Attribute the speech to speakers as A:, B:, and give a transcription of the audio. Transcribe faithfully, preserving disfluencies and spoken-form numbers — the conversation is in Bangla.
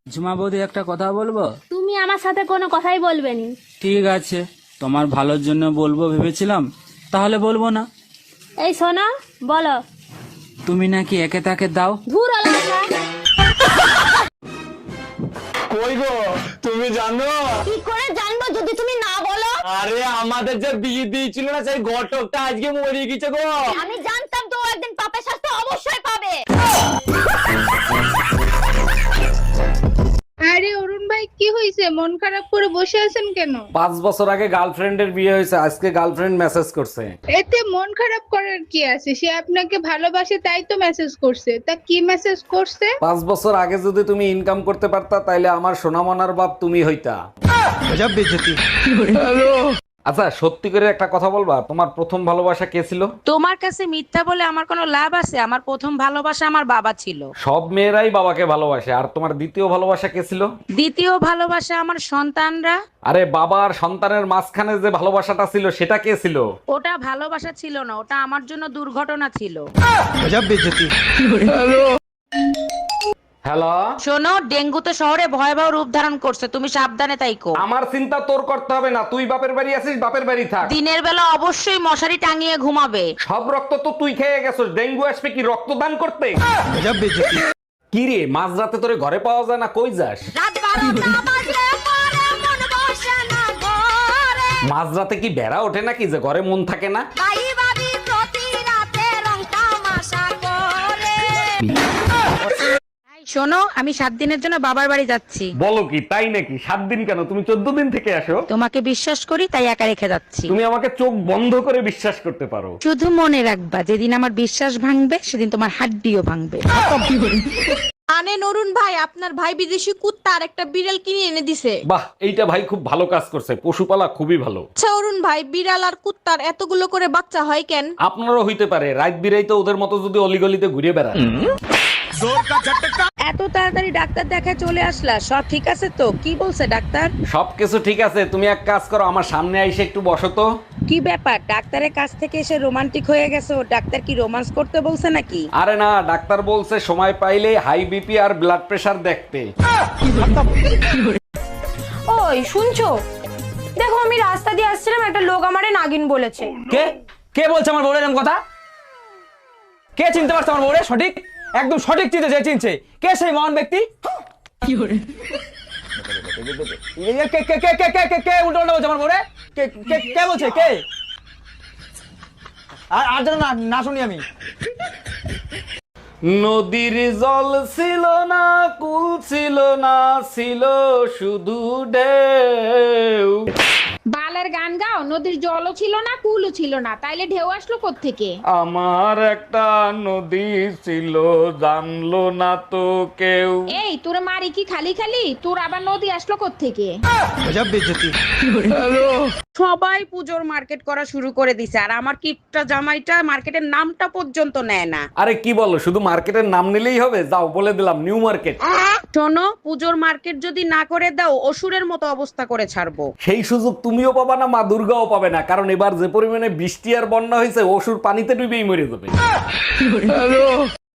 A: ঝুমা বৌদি একটা কথা বলবো?
B: তুমি আমার সাথে কোনো কথাই বলবে নি।
A: ঠিক আছে, তোমার ভালোর জন্য বলবো ভেবেছিলাম, তাহলে বলবো না।
B: এই শোনো, বলো।
A: তুমি নাকি একে তাকে দাও?
B: ধুর আলাদা।
C: কই গো, তুমি জানো?
B: কি করে জানবো যদি তুমি না বলো?
C: আরে আমাদের যে বিয়ে দিয়েছিল না, সেই ঘটকটা আজকে মরে গেছে গো।
B: আমি জানতাম তো ও একদিন পাপের শাস্তি অবশ্যই পাবে।
D: আরে অরুণ ভাই, কি হয়েছে? মন খারাপ করে বসে আছেন কেন?
C: পাঁচ বছর আগে গার্লফ্রেন্ডের বিয়ে হয়েছে, আজকে গার্লফ্রেন্ড মেসেজ করছে।
D: এতে মন খারাপ করার কি আছে? সে আপনাকে ভালোবাসে তাই তো মেসেজ করছে। তা কি মেসেজ করছে?
C: পাঁচ বছর আগে যদি তুমি ইনকাম করতে পারতা, তাইলে আমার সোনামনার বাপ তুমি হইতা। আচ্ছা, সত্যি করে একটা কথা বলবা, তোমার প্রথম ভালোবাসা কে ছিল?
E: তোমার কাছে মিথ্যা বলে আমার কোনো লাভ আছে? আমার প্রথম ভালোবাসা আমার বাবা ছিল।
C: সব মেয়েরাই বাবাকে ভালোবাসে। আর তোমার দ্বিতীয় ভালোবাসা কে ছিল?
E: দ্বিতীয় ভালোবাসা আমার সন্তানরা।
C: আরে বাবা আর সন্তানের মাঝখানে যে ভালোবাসাটা ছিল, সেটা কে ছিল?
E: ওটা ভালোবাসা ছিল না, ওটা আমার জন্য দুর্ঘটনা ছিল।
C: হ্যালো,
E: শোনো, ডেঙ্গু তো শহরে ভয়াবহ রূপ ধারণ করছে, তুমি সাবধানে তাইকো।
C: আমার চিন্তা তোর করতে হবে না। তুই বাপের বাড়ি আছিস, বাপের বাড়ি থাক।
E: দিনের বেলা অবশ্যই মশারি টাঙিয়ে ঘুমাবে।
C: সব রক্ত তো তুই খেয়ে গেছিস, ডেঙ্গু আসবে কি রক্তদান করতে? কি রে, মাঝরাতে তোরে ঘরে পাওয়া যায় না, কই যাস?
B: রাত বারোটা বাজলে পরে মন বসে না ঘরে।
C: মাঝরাতে কি বেড়া ওঠে নাকি যে ঘরে মন থাকে না?
B: ভাই ভাবি প্রতি রাতে রং তামাশা করে।
E: এই শোনো, আমি সাত দিনের জন্য বাবার বাড়ি যাচ্ছি।
C: বলো কি, তাই নাকি? সাত দিন কেন, তুমি চোদ্দ দিন থেকে আসো।
E: তোমাকে বিশ্বাস করি তাই একা রেখে যাচ্ছি।
C: তুমি আমাকে চোখ বন্ধ করে বিশ্বাস করতে পারো।
E: শুধু মনে রাখবা, যেদিন আমার বিশ্বাস ভাঙবে সেদিন তোমার হাড্ডিও ভাঙবে।
F: আনে নরুন ভাই, আপনার ভাই বিদেশি কুত্তা আর একটা বিড়াল কিনে এনে দিছে।
C: বাহ, এইটা ভাই খুব ভালো কাজ করছে, পশুপালা খুবই ভালো।
F: আচ্ছা অরুণ ভাই, বিড়াল আর কুত্তার এতগুলো করে বাচ্চা হয় কেন?
C: আপনারও হইতে পারে, রাত বিরাই তো ওদের মতো যদি অলিগলিতে ঘুরে বেড়ায়।
E: এত তাড়াতাড়ি ডাক্তার দেখা চলে আসলা, সব ঠিক আছে তো? কি বলছে ডাক্তার?
C: সবকিছু ঠিক আছে, তুমি এক কাজ করো, আমার সামনে আইসে একটু বসো তো।
E: কি ব্যাপার, ডাক্তারের কাছ থেকে এসে রোমান্টিক হয়ে গেছো? ডাক্তার কি রোমান্স করতে বলছে নাকি?
C: আরে না, ডাক্তার বলছে সময় পাইলে হাই বিপি আর ব্লাড প্রেশার দেখতে।
G: ওই শুনছো? দেখো, আমি রাস্তা দিয়ে আসছিলাম, একটা লোক আমারে নাগিন বলেছে।
H: কে কে বলছে আমার বউরের এরকম কথা? কে চিনতে পারছে আমার বউরে? সঠিক, একদম সঠিক চিনতে যে চিনছে। কে সেই মহান ব্যক্তি? কি করে কে কে কে কে কে কে কে উল্টো উল্টো বলছে আমার বউরে? কে কে কে বলছে? কে? আর আর যেন না না শুনি আমি।
C: নদীর জল ছিল না, কুল ছিল না, ছিল শুধু ঢেউ।
D: বালের গান গাও। নদীর জলও ছিল না, কুলও ছিল না, তাইলে ঢেউ আসলো কোত্থেকে?
C: আমার একটা নদী ছিল, জানলো না তো কেউ।
D: এই তোর মারি কি খালি খালি? তোর আবার নদী আসলো কোত্থেকে?
E: সবাই পুজোর মার্কেট করা শুরু করে দিছে, আর আমার কিপটা জামাইটা মার্কেটের নামটা পর্যন্ত নেয় না।
C: আরে কি বলো, শুধু মার্কেটের নাম নিলেই হবে? যাও, বলে দিলাম নিউ মার্কেট।
E: শোনো, পুজোর মার্কেট যদি না করে দাও, অসুরের মতো অবস্থা করে ছাড়বো।
C: সেই সুযোগ তুমিও পাবা না, মা দুর্গাও পাবে না, কারণ এবার যে পরিমাণে বৃষ্টি আর বন্যা হয়েছে, অসুর পানিতে ডুবেই মরে যাবে।